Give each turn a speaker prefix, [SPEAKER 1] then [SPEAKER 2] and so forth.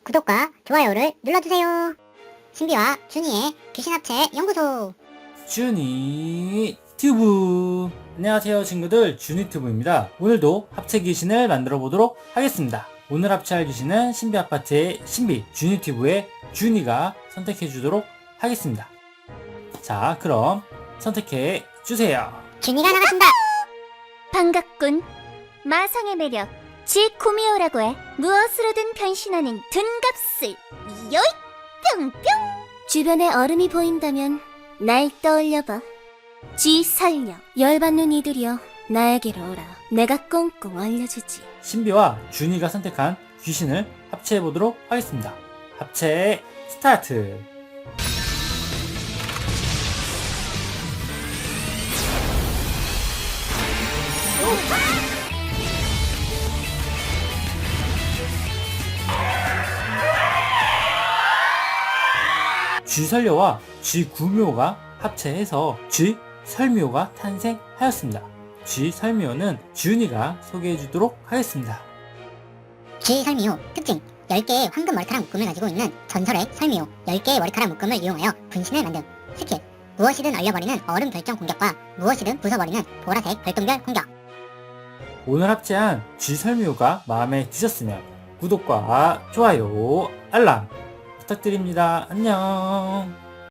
[SPEAKER 1] 구독과 좋아요를 눌러주세요. 신비와 준이의 귀신합체 연구소.
[SPEAKER 2] 준이 튜브. 안녕하세요 친구들, 준이 튜브입니다. 오늘도 합체 귀신을 만들어 보도록 하겠습니다. 오늘 합체할 귀신은 신비 아파트의 신비 준이 튜브의 준이가 선택해 주도록 하겠습니다. 자, 그럼 선택해 주세요.
[SPEAKER 1] 준이가 나갔습니다.
[SPEAKER 3] 반갑군. 마성의 매력 지코미오라고 해. 무엇으로든 변신하는 둔갑술 요잇 뿅뿅. 주변에 얼음이 보인다면 날 떠올려봐. 지설령. 열받는 이들이여 나에게로 오라. 내가 꽁꽁 얼려주지.
[SPEAKER 2] 신비와 준이가 선택한 귀신을 합체해 보도록 하겠습니다. 합체 스타트. 쥐설녀와 쥐구묘가 합체해서 쥐설묘가 탄생하였습니다. 쥐설묘는 준이가 소개해주도록 하겠습니다.
[SPEAKER 1] 쥐설미호 특징: 10개의 황금 머리카락 묶음을 가지고 있는 전설의 설미호. 10개의 머리카락 묶음을 이용하여 분신을 만듦. 스킬: 무엇이든 얼려버리는 얼음 결정 공격과 무엇이든 부숴버리는 보라색 별똥별 공격.
[SPEAKER 2] 오늘 합체한 쥐설묘가 마음에 드셨으면 구독과 좋아요, 알람 부탁드립니다. 안녕.